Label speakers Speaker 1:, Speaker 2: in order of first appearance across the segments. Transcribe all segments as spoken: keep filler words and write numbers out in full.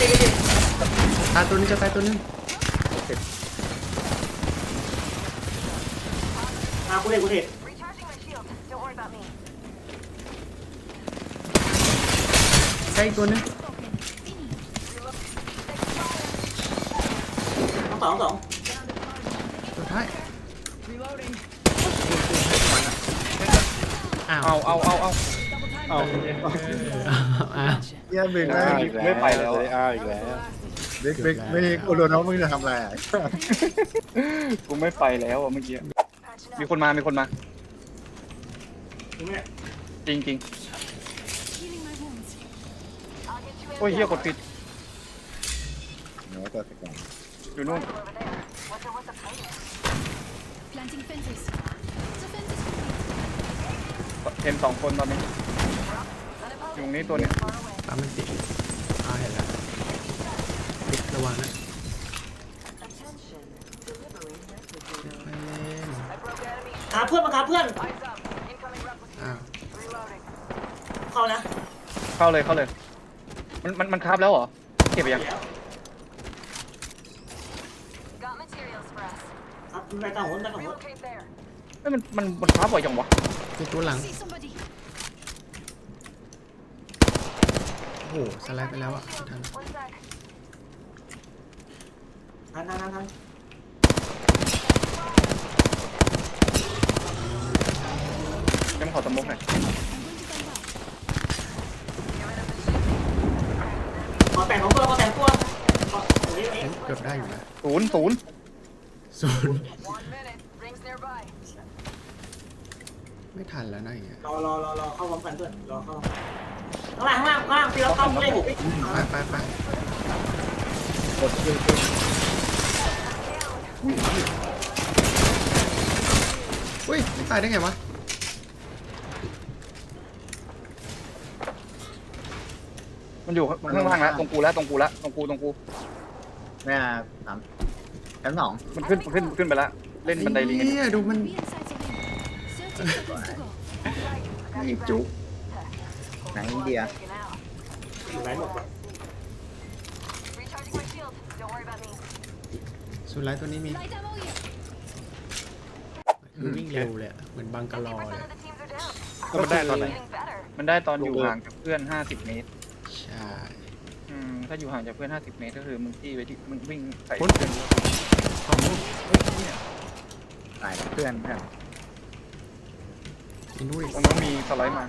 Speaker 1: ดิดิ
Speaker 2: ตายตัวนึงจะตายตัวนึง
Speaker 1: มากูเด็กกูเด็ก
Speaker 2: ใกล้ตัวนึง
Speaker 1: สองสองสอง
Speaker 2: ตัวท้ายอ้าว
Speaker 3: เอาเอาเอาเอาเอา
Speaker 2: อ้าว
Speaker 4: เยี่ยมเบรก
Speaker 3: อ้า
Speaker 4: ไม่
Speaker 3: วอีกแล้วไม่ไปแล้วอ้าวอีกแล้ว
Speaker 4: เบรกเบรกไม่กูโดนน้องมึงจะทำอะไรอ่ะ
Speaker 3: กูไม่ไปแล้วอ่ะเมื่อกี้มีคนมามีคนมา
Speaker 1: กูไม่
Speaker 3: จริงจริงโอ้ยเฮียกดผิด
Speaker 4: เดี๋ยวตัวสิบสอง
Speaker 3: อยู่นู่น
Speaker 5: Planting fences. The fence is complete.
Speaker 3: เห็นสองคนตอนนี้อยู่ตรงนี้ตัวนี้
Speaker 2: ตามมันติดอ้าวเห็นแล้วติดระวังนะไม่เล่น
Speaker 1: หาเพื่อนมาหาเพื่อน
Speaker 2: อ้าว
Speaker 1: เข้านะ
Speaker 3: เข้าเลยเข้าเลยมันมันมันคาบแล้วเหรอเก็บไปยัง
Speaker 1: ครับไปต่างหัวไปต่างหัว
Speaker 3: เอ้ยมันมันมันคาบบ่อยจังวะ
Speaker 2: ติดตัวหลัง
Speaker 5: See somebody.
Speaker 2: โอ้โหสไลด์ไปแล้วอ่ะไม่ทัน
Speaker 1: ทันทันทันทัน
Speaker 3: ยังขอสมมุกหน่อย
Speaker 1: ขอแต่งของตัวขอแต่งตัวขอโอ้ย
Speaker 2: เฮ้ยเกือบได้อยู่นะ
Speaker 3: ศูนย์ศูนย์
Speaker 2: ศูนย์ไม่ทันแล้วนะอย่างเงี้ย
Speaker 1: รอรอรอรอเข้าพร้อมกันเพื่อนรอเข้าข้างล่างข้างล่างข้างล่างพี่เราเข้าไม่ได้ผม
Speaker 2: ไปไปไป
Speaker 4: กดคิวคิว
Speaker 2: อุ้ยไม่ตายได้ไงวะ
Speaker 3: มันอยู่ข้างล่างแล้วตรงกูแล้วตรงกูแล้วตรงกูตรงกู
Speaker 4: แม่สามชั้นสอง
Speaker 3: มันขึ้นขึ้นขึ้นไปแล้วเล่นบันไดลิงกันอยู่
Speaker 2: เนี่ยดูมัน
Speaker 5: Be inside the ring. Thirty seconds to go.
Speaker 2: ไม่จุก
Speaker 4: ไหนอินเดีย
Speaker 1: อยู่ไหนหมดวะ
Speaker 2: สุดท้ายตัวนี้มี
Speaker 5: Light ammo here.
Speaker 2: มันวิ่งเร็วเลยอะเหมือนบังกะลอเลย
Speaker 3: แล้วมันได้ตอนไหนมันได้ตอนอยู่ห่างจากเพื่อนห้าสิบเมตร
Speaker 2: ใช่
Speaker 3: อืมถ้าอยู่ห่างจากเพื่อนห้าสิบเมตรก็คือมึงที่ไปที่มึงวิ่งใส่
Speaker 2: พ้น
Speaker 3: เพื่อน
Speaker 2: ของมุก
Speaker 4: ตายเพื่อนเพื่อน
Speaker 2: อินุ้ย
Speaker 3: ตรงนั้นมีสไลด์มา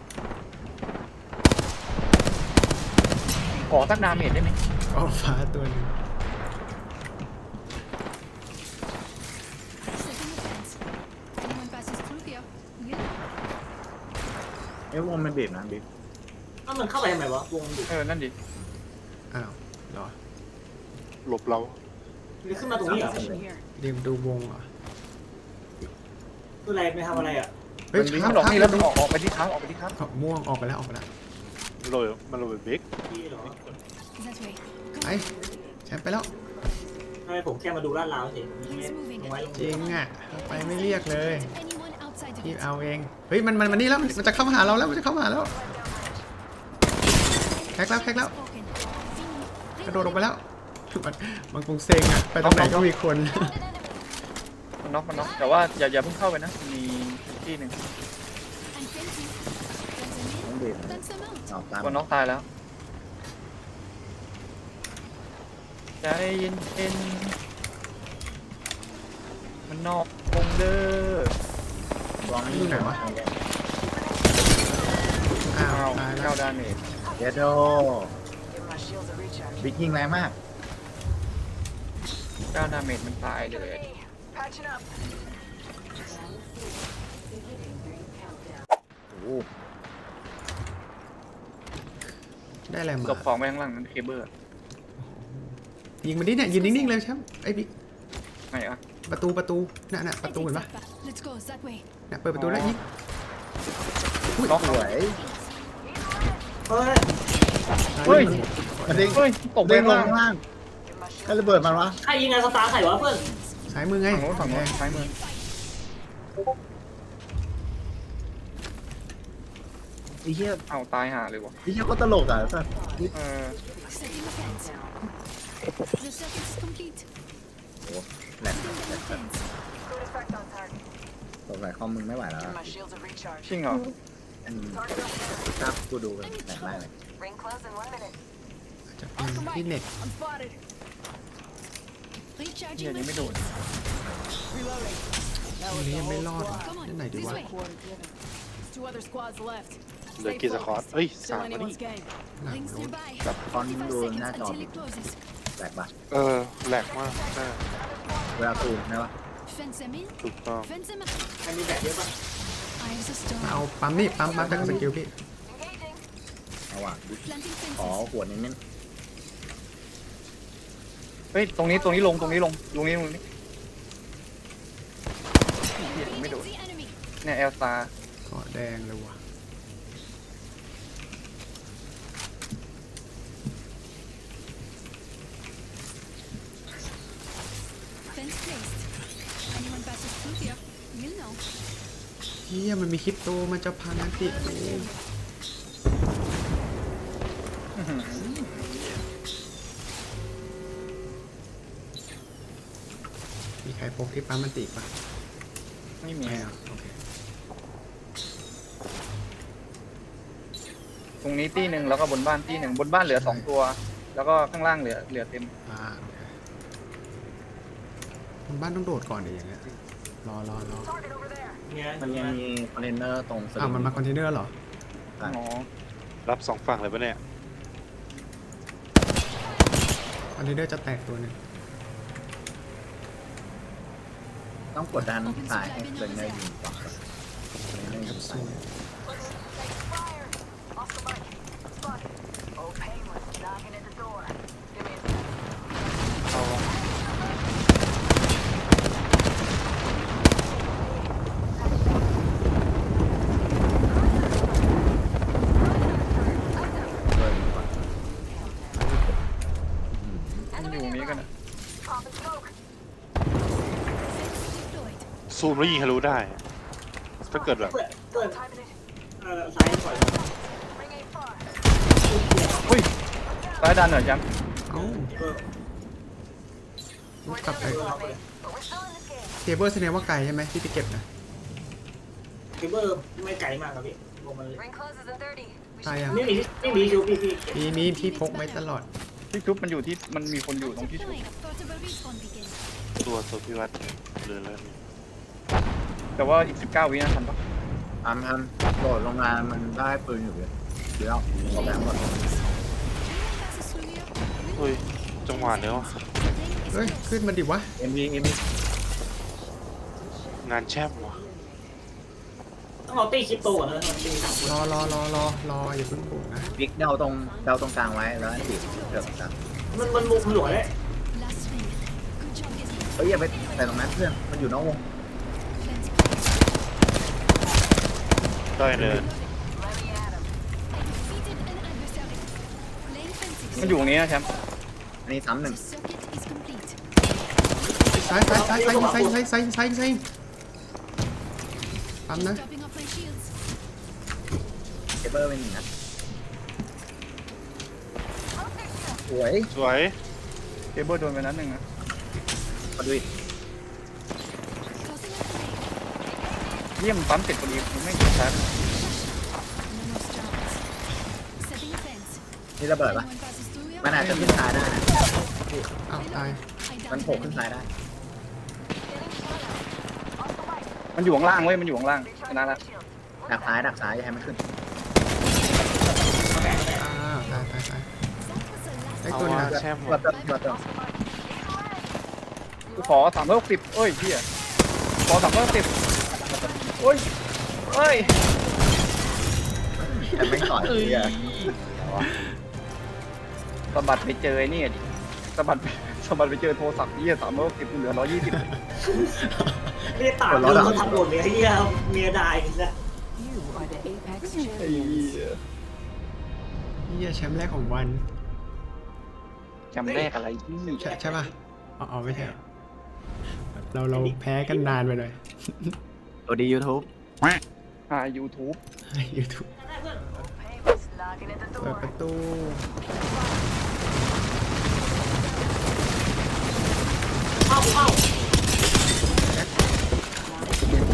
Speaker 3: ขอสักดาเมจได้ไหม
Speaker 2: ออกฟ้าตัวหนึง
Speaker 5: Setting the fence. Anyone passes through here. Yeah.
Speaker 4: เอ้ยวงมันบีบนะบีบ
Speaker 1: อ้าวมันเข้าไปทำไมวะวงอยู่
Speaker 3: เออนั่นดิ
Speaker 2: อ้าวเหรอ
Speaker 6: หลบเรา
Speaker 1: มันขึ้นมาตรงนี้เหรอ
Speaker 2: เรียมดูวงเหรอ
Speaker 1: คืออะไรไม่ทำอะไรอ่ะ
Speaker 2: เฮ้ย
Speaker 3: มันวิ่ง
Speaker 2: ค้าง
Speaker 3: หลอก
Speaker 2: ค้าง
Speaker 3: นี่แล้วมึงออกออกไปที่ค้างออกไปที่ค้าง
Speaker 2: ขอบม่วงออกไปแล้วออกไปแล้ว
Speaker 6: โรยมันโรยเบรก
Speaker 1: พี่เหรอ
Speaker 5: That way.
Speaker 2: ไปแชมป์ไปแล้ว
Speaker 1: ทำไมผมแค่มาดูลาดราวเฉยลงไว้ลง
Speaker 2: จริงอ่ะไปไม่เรียกเลย
Speaker 5: Anyone outside the
Speaker 2: พี่
Speaker 5: gate.
Speaker 2: เอาเองเฮ้ยมันมันมันนี่แล้วมันจะเข้ามาหาเราแล้วมันจะเข้ามาหาแล้วแฮกแล้วแฮกแล้ว
Speaker 5: Spoken.
Speaker 2: กระโดดลงไปแล้วมันมันคงเซ็งอ่ะไปตรงไหนก็มีคน
Speaker 3: มันน็อกมันน็อกแต่ว่าอย่าอย่าเพิ่งเข้าไปนะมีที่หนึ่ง
Speaker 5: And fencing. Fence
Speaker 4: ต้อ
Speaker 5: them
Speaker 4: งบีบ
Speaker 5: in. Fence them out.
Speaker 4: ออกตาม
Speaker 3: ตัวน็อกตายแล้วใจเย็นเย็นมันนอกวงเด้อ
Speaker 4: วางไม่
Speaker 2: อยู่ไหนวะ อ้าว
Speaker 3: อ้าว
Speaker 2: ตายแล้
Speaker 3: เก้าว ดาเมจ
Speaker 4: เดโดบิ๊กยิงแรงมาก
Speaker 3: เก้าดาเมจมันตายเลย
Speaker 4: โอ้โห
Speaker 2: ได้อะไรมา
Speaker 3: หลบของไปข้างหลังนั้นเคเบิล
Speaker 2: ยิงมันดิเนี่ยยืนนิ่งๆเลยแชมป์ไอ้บิ๊ก
Speaker 3: ไหนอ่ะ
Speaker 2: ประตูประตูน่ะน่ะประตู
Speaker 5: Heading
Speaker 2: เห็นปะ
Speaker 5: that path. Let's go that way.
Speaker 2: น่ะเปิดประตูแล้วยิง
Speaker 3: น็อก
Speaker 4: สวย
Speaker 1: เฮ้ย
Speaker 3: เฮ้ย
Speaker 4: มันเด้ง
Speaker 3: เฮ้ยตกไป
Speaker 4: เด้งล
Speaker 3: ข้าง งล่าง
Speaker 4: ข้างล่างก็ระเบิดมันวะ
Speaker 1: ใครยิงไงสตาร์ใครวะเพื่อน
Speaker 2: ซ้ายมือไง
Speaker 3: ฝั่งโน้นฝั่งโน้นซ้ายมือ
Speaker 4: ไอ้เหี้ย
Speaker 3: เอาตายห่าเลยวะ
Speaker 4: ไอ้เหี้ยก็ตลกอ่ะสัส
Speaker 3: เออ
Speaker 5: Setting a fence. The circuit is complete.
Speaker 4: โอ้แหลก
Speaker 5: Putting
Speaker 4: แหล
Speaker 5: down
Speaker 4: ก
Speaker 5: the fence.
Speaker 4: สงสัยคอมมึงไม่ไหวแล้วอะ
Speaker 3: จริงเหรอ
Speaker 4: อืมถ้ากูดูกันแหลกได้เลย
Speaker 2: จะเป็นที่เน็ต
Speaker 5: I'm spotted.
Speaker 3: เฮีย
Speaker 5: Recharging
Speaker 3: ยั
Speaker 5: my
Speaker 3: งไม่โดน
Speaker 5: shields.
Speaker 2: ตรงนี้ยังไม่รอดว่ะ
Speaker 5: Come on,
Speaker 2: นั่นไหนดี
Speaker 5: this
Speaker 2: วะ
Speaker 5: way.
Speaker 7: Two other squads left.
Speaker 6: เหลือกี่สควอตเอ้ย
Speaker 7: Still
Speaker 6: สามอันนี้
Speaker 7: anyone's game.
Speaker 2: หลัง
Speaker 5: Rings
Speaker 2: รถ
Speaker 5: nearby.
Speaker 4: แบบคอน
Speaker 5: forty-five
Speaker 4: ดูห
Speaker 5: seconds
Speaker 4: น้าจอ
Speaker 5: until it closes.
Speaker 4: แหลกปะ
Speaker 6: เออแหลกมากใช่
Speaker 4: เวลาซูมนะวะ
Speaker 5: Fence them in.
Speaker 6: ถูกต้อง
Speaker 5: Fence them out.
Speaker 1: มันมีแบบเยอะป่ะ
Speaker 5: Eyes a
Speaker 2: มาเอา
Speaker 5: storm.
Speaker 2: ปั๊มนี่ปั๊มปั๊มจากสกิลพี่
Speaker 4: เอาว่ะ
Speaker 5: Planting
Speaker 4: ขอ
Speaker 5: fences.
Speaker 4: หัวเน้น
Speaker 3: เฮ้ยตรงนี้ตรงนี้ลงตรงนี้ลงตรงนี้ตรงนี้เฮียยังไม่โดน
Speaker 5: The enemy.
Speaker 3: เนี่ยเอลซา
Speaker 2: เกาะแดงเลยว่ะ
Speaker 5: Fence placed. Anyone passes through here, you'll know.
Speaker 2: เฮียมันมีคริปโตมันจะพังอันติกูมีใครพกที่ปั๊มมันติปะ
Speaker 3: ไม่มี
Speaker 2: ไม่เอาโอเค
Speaker 3: ตรงนี้ตีหนึ่งแล้วก็บนบ้านตีหนึ่งบนบ้านเหลือสองตัว แล้วก็ข้างล่างเหลือเหลือเต็ม
Speaker 2: อ่าโอเคมันบ้านต้องโดดก่อนเดี๋ยวอย่างเงี้ยรอรอรอ
Speaker 1: เนี่ย
Speaker 4: ๆมันยังมีคอนเทนเนอร์ตรงส
Speaker 2: อ้าวมันมาคอนเทนเนอร์เหรอ
Speaker 3: อ๋อ
Speaker 6: รับสองฝั่งเลยปะเนี่ย
Speaker 2: คอนเทนเนอร์จะแตกตัวหนึ่ง
Speaker 4: ต้องกดดันสายให้เป็นเนอร์ยิงก่อนคอนเทนเนอร์ยิง
Speaker 2: สู้
Speaker 6: เอาวะ
Speaker 4: เลยยิงก่อน
Speaker 3: มันอยู่ตรงนี้กันนะ
Speaker 5: Deployed.
Speaker 6: ซูมแล้วยิงทะลุได้อะถ้าเกิดแบบ
Speaker 1: เปิดเปิดเออซ้ายปล่อย
Speaker 3: เฮ้ยซ้ายดันเหรอแชมป์
Speaker 2: เอ้า
Speaker 1: เออ
Speaker 2: ลูกกลับไป
Speaker 1: เออเราไป
Speaker 2: เคเบิลแสดงว่าไกลใช่ไหมที่ไปเก็บนะ
Speaker 1: เคเบิลไม่ไกลมากครับพี่ลงมาเลย
Speaker 2: ตายยัง
Speaker 1: ไม่มีไม่มีชูพี่พี่
Speaker 2: มีมีที่พกไว้ตลอด
Speaker 3: ที่ทุบมันอยู่ที่มันมีคนอยู่ตรงที่ชุบ
Speaker 5: Deploying. Portable respawn beacon.
Speaker 6: ตัวตัวพิวัตรเหลือแล้วนี่
Speaker 3: แต่ว่าอีกสิบเก้าวินะทันปะ
Speaker 4: ทำทำโดดลงมามันได้ปืนอยู่เลยเดี๋ยวเอาแบบหมด
Speaker 5: Anyone passes through here, we'll
Speaker 6: เฮ้ยจังหวะเนี้ยวะ
Speaker 5: Playing is
Speaker 2: เฮ้ย
Speaker 5: close.
Speaker 2: ขึ้นมาดิวะ
Speaker 4: เอ็มวีเอ็มวี
Speaker 6: งานแช่มวะ
Speaker 1: ต้องเอาตีคริปโตก่อนนะตีสามคน
Speaker 2: รอรอรอรอรออย่าเพิ่งบุกนะ
Speaker 4: บิ๊กเดาตรงเดาตรงกลางไว้แล้วอันติเกือบกลาง
Speaker 1: มันมันมุมหลวเลย
Speaker 5: Last ring. Good job getting
Speaker 4: เฮ้ยอย่าไปใส่ตรงนั้นเพื่อนมันอยู่นอกวง
Speaker 5: fence.
Speaker 6: ได้เลย
Speaker 5: I defeated an adversary. Playing fences.
Speaker 3: มันอยู่ตรงนี้นะแชมป์
Speaker 4: อันนี้ซ้ำหนึ่ง
Speaker 5: The circuit is complete.
Speaker 2: ซ้ายซ้ายซ้ายซ้ายซ้ายซ้ายซ้ายซ้ายซ้ายปั๊มนะ
Speaker 5: Topping off my shields.
Speaker 4: เคเบิลเป็นหนึ่งนะสวย
Speaker 6: สวย
Speaker 3: เคเบิลโดนไปนัดหนึ่งนะ
Speaker 4: มาดูอีก
Speaker 5: Tossing up grenade.
Speaker 3: เยี่ยมปั๊มติดพอดีมันไม่กระชับ
Speaker 5: No more strats. Setting a fence.
Speaker 4: นี่ระเบิดปะ
Speaker 5: Anyone passes through here,
Speaker 4: มันอาจจะขึ้นซ้ายได้นะ
Speaker 2: อ้าวตาย
Speaker 5: I
Speaker 4: มัน
Speaker 5: downed
Speaker 4: โผล่
Speaker 5: an
Speaker 4: ขึ้น
Speaker 5: enemy.
Speaker 4: ซ้ายได้
Speaker 3: มันอยู่ข้างล่างเว้ยมันอยู่ข้างล่างชนะละ
Speaker 4: ดักซ้ายดักซ้ายอย่าให้มันขึ้น
Speaker 2: อ้าวตายตายตาย
Speaker 5: That was the last
Speaker 2: ได้
Speaker 6: เอา
Speaker 2: ตัวหนึง
Speaker 6: วะ
Speaker 2: นะ
Speaker 6: แช่ม
Speaker 4: ตัว
Speaker 6: วะ
Speaker 4: เติมตัวเติม
Speaker 3: กูขอสามร้อยหกสิบเอ้ยพี่อะขอสามร้อยหกสิบโอ้ยเอ้ย
Speaker 4: แต่ไม่ต่อยเลยอ่ะ
Speaker 3: สะบัดไปเจอไอ้นี่ดิสะบัดไปสะบัดไปเจอโทรศัพท์ยี่สามร้อยหกสิบเหลือร้อยยี่สิบ
Speaker 1: ไม่ได้ตามเลยเขาทำหมดเลยไอ้เหี้ยเมียดายนะ
Speaker 7: You are the Apex
Speaker 3: ไอ้
Speaker 7: champions.
Speaker 3: เหี้ย
Speaker 2: เฮียแชมป์แรกของวัน
Speaker 3: จำแรกอะไรที่
Speaker 2: ใช่ใช่ป่ะอ๋ออ๋อไม่ใช่เหรอเราเราแพ้กันนานไปหน่อย
Speaker 4: ตัวดียูทูบ
Speaker 3: หา YouTube
Speaker 2: ยูทูบเปิดประตู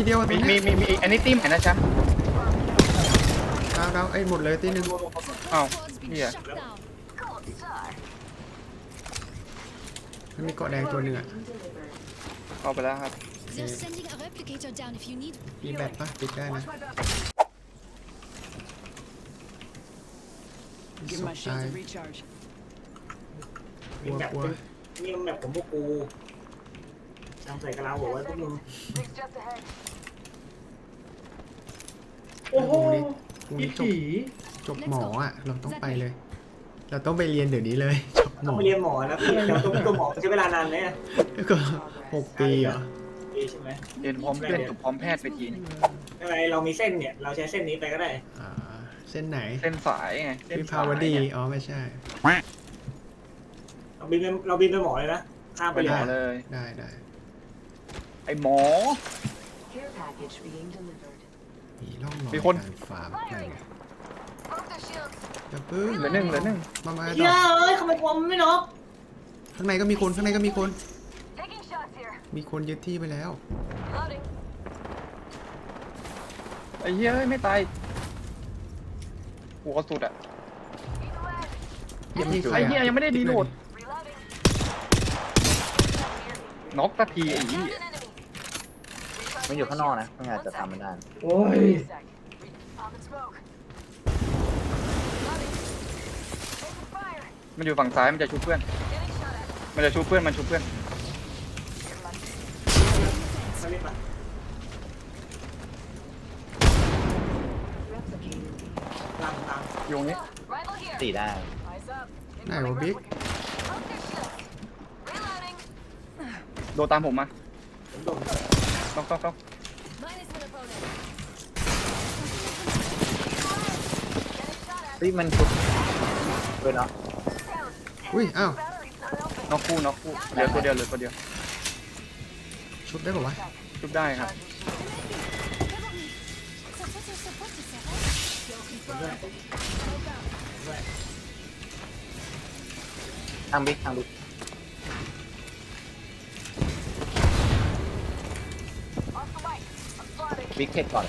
Speaker 2: ทีเดียวอะ
Speaker 3: มี
Speaker 2: ตัว
Speaker 3: มี
Speaker 2: เนี้ย
Speaker 3: มีมีอันนี้ตีใหม่นะจ๊ะ
Speaker 2: ดาวดาวไอ้ยหมดเลยตีหนึ่ง
Speaker 5: Support
Speaker 3: Oh,
Speaker 5: squad's been
Speaker 3: yeah.
Speaker 5: shut down.
Speaker 2: มันมีเกาะแดงตัวหนึ่งอ่ะ
Speaker 3: เอาไปแล้วครับ
Speaker 5: They're sending a replicator down if you need.
Speaker 2: มีแบตปะปิดได้นะ
Speaker 7: Give
Speaker 2: ศ
Speaker 7: my
Speaker 2: พ
Speaker 7: shields
Speaker 2: ตาย
Speaker 7: a recharge.
Speaker 1: มีแบบ
Speaker 2: กลัว
Speaker 1: นี่มันแบบของพวกกูทำใส่กระลาหัวไว้พวกมึง
Speaker 2: โอ้โหพรุ่งนี้จบจบหมออ่ะ เราต้องไปเลย เราต้องไปเรียนเดี๋ยวนี้เลย จบหม
Speaker 1: ต้อ
Speaker 2: อง
Speaker 1: ไปเรียนหมอนะพี่เดี๋ยวตัวตัวหมอใช้เวลานานไหมอะ
Speaker 2: ก็หกปีเหรอ
Speaker 1: ดีใช่ไหม
Speaker 3: เรียนพร้อมเพื่อนจบพร้อมแพทย์ไปทีนึง
Speaker 1: อะไรเรามีเส้นเนี่ย เราใช้เส้นนี้ไปก็ได้
Speaker 2: อ่าเส้นไหน
Speaker 3: เส้นสายไงเส้น
Speaker 2: วิ
Speaker 3: ส
Speaker 2: ภาวดี
Speaker 3: ยไง
Speaker 2: อ๋อไม่ใช่
Speaker 1: เราบินไปเราบินไปหมอเลยนะข้ามไป
Speaker 3: ไป
Speaker 1: เล
Speaker 3: ห
Speaker 1: ย
Speaker 3: มอเลย
Speaker 2: ได้ได้
Speaker 3: ไอหมอ
Speaker 7: Care package being delivered.
Speaker 2: มีร่องรอย
Speaker 3: มีคน
Speaker 2: การฟาร์มอะไรเงี้ยอย่าเพิ่ง
Speaker 3: เหลือหนึ่งเหลือหนึ่ง
Speaker 2: มามา
Speaker 1: เฮี
Speaker 2: ต่
Speaker 1: ย
Speaker 2: อ
Speaker 1: เอ้ยทำไมความไม่น็อก
Speaker 2: ข้างในก็มีคนข้างในก็มีคน มีคนยึดที่ไปแล้ว
Speaker 3: ไอ้เหี้ยเอ้ยไม่ตายหัวสุดอ่ะ
Speaker 2: ยึดที่ใคร
Speaker 3: ไอ้
Speaker 2: อะ
Speaker 3: เหี้ยยังไม่ได้ดีโหลดน็อกตะทีไอ้เหี้ย
Speaker 4: มันอยู่ข้างนอกนะไม่อาจจะทำไม่ได้
Speaker 1: โอ้ย
Speaker 3: มันอยู่ฝั่งซ้ายมันจะชูเพื่อน มันจะชูเพื่อนมันชูเพื่อน
Speaker 1: มาเล่นปะตามตาม
Speaker 3: อยู่ตรงนี้
Speaker 4: ตีได้
Speaker 2: ไหนวะบิ๊ก
Speaker 3: โดนตามผมมา
Speaker 1: ผมโดน
Speaker 3: ต้องต้องต้อง
Speaker 5: Minus one opponent.
Speaker 4: เฮ้ยมันชุบด้วยเนาะ
Speaker 2: อุ้ยอ้าว
Speaker 3: น็อกคู่น็อกคู่เหลือตัวเดียวเหลือตัวเดียว
Speaker 2: ชุบได้ป่าวะ
Speaker 3: ชุบได้ครับ
Speaker 5: Cover me. Support, support, support.
Speaker 4: ทางบิ๊กทางบิ๊กบิ๊กเทคก่อน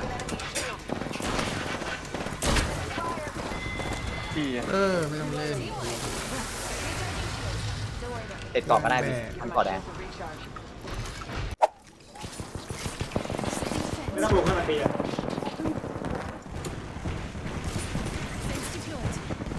Speaker 3: ที่
Speaker 2: เออไม่ต้องเล่น
Speaker 4: เทคก่อนก็ได้บิ๊กทำก่อนแดง
Speaker 1: ไม่ต้องลงให้มันตีอะ
Speaker 5: Fence deployed.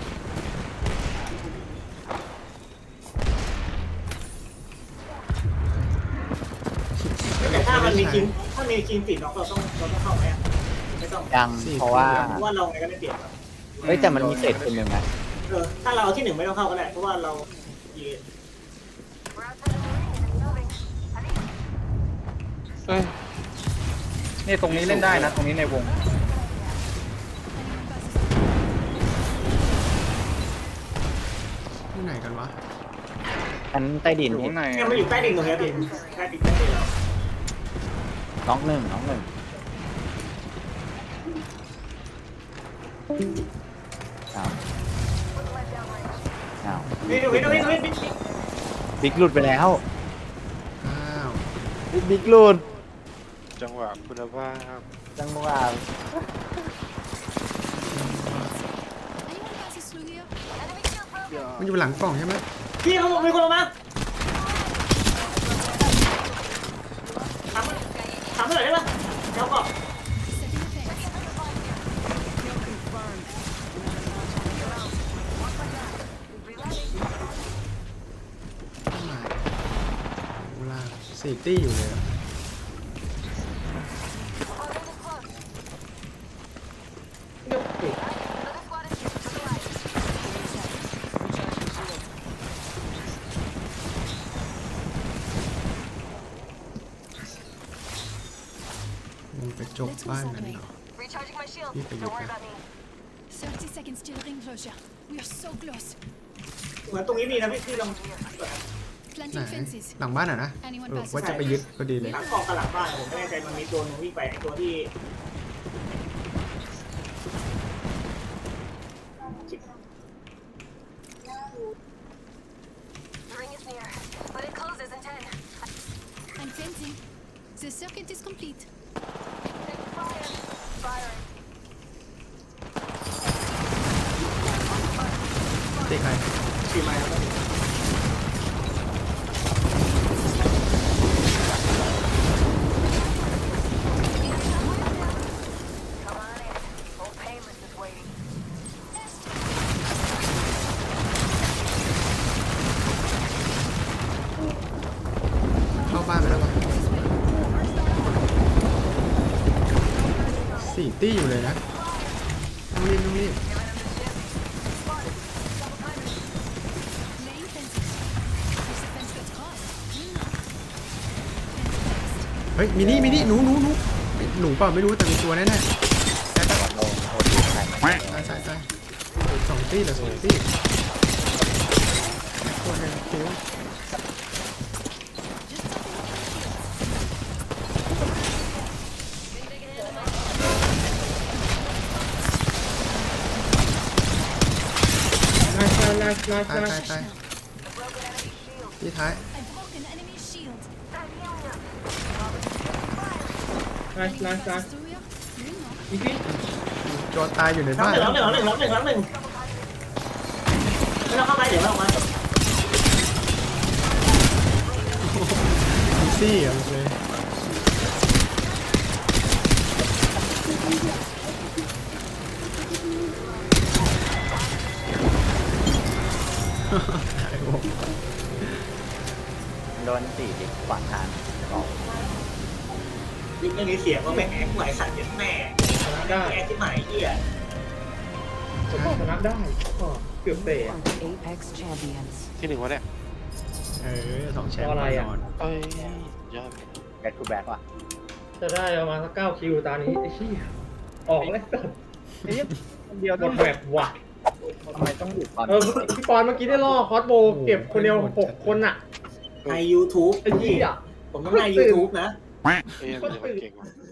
Speaker 1: แต่ถ้ามันมีคิงถ้ามีคิงติดน็อกเราต้องเราต้องเข้าไหมอะไม่ต้อง
Speaker 4: ยังเพราะว่า
Speaker 1: เพราะว่าเราไงก็ได้เปรียบอะ
Speaker 4: เฮ้ยแต่มันมีเศษคนหนึ่งนะ
Speaker 1: เออถ้าเราเอาที่หนึ่งไม่ต้องเข้าก็ได้เพราะว่าเรายืน
Speaker 6: เอ้ย
Speaker 3: นี่ตรงนี้เล่นได้นะ ตรงนี้ในวง
Speaker 2: ที่ไหนกันวะ
Speaker 4: ชั้นใต้ดิน
Speaker 3: อยู่
Speaker 4: พี่
Speaker 3: ข้างใน
Speaker 1: เนี่ยมันอยู่ใต้ดินตรงนี้พี่ใต้ดินใต้ดินเรา
Speaker 4: น้องหนึ่งน้องหนึ่งอ้าวอ้าว
Speaker 1: นี่ดูนี่ดูนี่ดูนี่
Speaker 4: บิ๊กหลุดไปแล้ว
Speaker 2: อ้าว
Speaker 4: บิ๊กหลุด
Speaker 6: จังหวะคุณภาพ
Speaker 4: จังหวะ
Speaker 5: Anyone passes through here?
Speaker 2: มันอยู่หลังกล่องใช่ไหม
Speaker 1: พี่เขาบอกมีคนลงมาถามถามเท่าไหร่ได้ปะเดี๋ยวก่อน
Speaker 5: Setting a fence.
Speaker 7: Kill confirmed.
Speaker 2: เข้ามาเวลาสี่ตี้อยู่เลยอะ มึงไปจบบ้านนั้นเหรอพี่ไปยึดนะ
Speaker 5: thirty seconds till ring closure. We are so close.
Speaker 1: เหมือนตรงนี้มีนะพี่พี่ลอง
Speaker 2: ไหน
Speaker 5: Planting fences.
Speaker 2: หลังบ้านอ่ะนะเออว่าจะไปยึดพอดีเลย
Speaker 1: หลังกองกับหลังบ้านผมไม่แน่ใจมันมีตัวนึงวิ่งไปไอตัวที่
Speaker 5: I'm fencing. The circuit is complete.
Speaker 2: ตีใคร
Speaker 1: สี่ไม้แล้ว
Speaker 2: เข้าบ้านไปแล้วปะสี่ตี้อยู่เลยนะต้องรีบต้องรีบ
Speaker 5: Laying fences. If the fence gets caught, clean up. Fence placed.
Speaker 2: เฮ้ยมินี่มินี่หนูหนูหนูเฮ้ยหนูเปล่าไม่รู้แต่มีตัวแน่ๆแซก
Speaker 4: โดนโดนยิงใครมา
Speaker 2: ตายตายตายสองตี้เหรอสองตี้ตัวหนึงคิว
Speaker 3: นายนายนายนาย
Speaker 2: ตาย
Speaker 3: นาย
Speaker 2: ตายตายที่ท้าย
Speaker 5: I broke an enemy's shield.
Speaker 3: นายนายนาย
Speaker 5: Passes through here, clean up.
Speaker 3: อีพี่
Speaker 2: โจรตายอยู่ใน
Speaker 1: ล้าง
Speaker 2: บ้าน
Speaker 1: หนึ่งล้างหนึ่งล้างหนึ่งล้างหนึ่งล้างหนึ่งไม่ต้องเข้าไปเดี๋ยวไม่ออกมา
Speaker 2: อีซี่อ่ะเลย ไอ้โว้ย
Speaker 4: โดนสี่ดิขวางทางบอก
Speaker 1: ยิ่งเรื่องนี้เสียงว่าแม่งแอ๊กไหวสั่นเย็นแม่แอ๊กที่หมายเหี้ย
Speaker 3: ผมชนะได้ก็เกือบเตะ
Speaker 7: Are the Apex champions.
Speaker 6: ที่หนึ่งวะเนี่ย
Speaker 2: เออสองแชมป์
Speaker 3: อะไร
Speaker 2: แน่
Speaker 3: อ่ะ
Speaker 2: นอน
Speaker 6: เอ้ยยอด
Speaker 4: แบ็คทูแบ็คว่ะ
Speaker 3: จะได้ประมาณสักเก้าคิวตานี้ไอ้ชี้ยออกเลยสัตว์
Speaker 4: ไอ้เหี้ยคนเดียว
Speaker 3: หม
Speaker 4: ต้อง
Speaker 3: ดแบบว่ะ
Speaker 4: ทำไมต้องหยุดตอน
Speaker 3: เออพี่ปอนเมื่อกี้ได้ล่อคอสโบเก็บคนเดียวหกคนอ่ะ
Speaker 1: ใน ยูทูบ
Speaker 3: ไอ้ชี้ย
Speaker 1: ผมต้องใน ยูทูบนะ
Speaker 6: เอ้ยมันจะมาเก่งว่ะ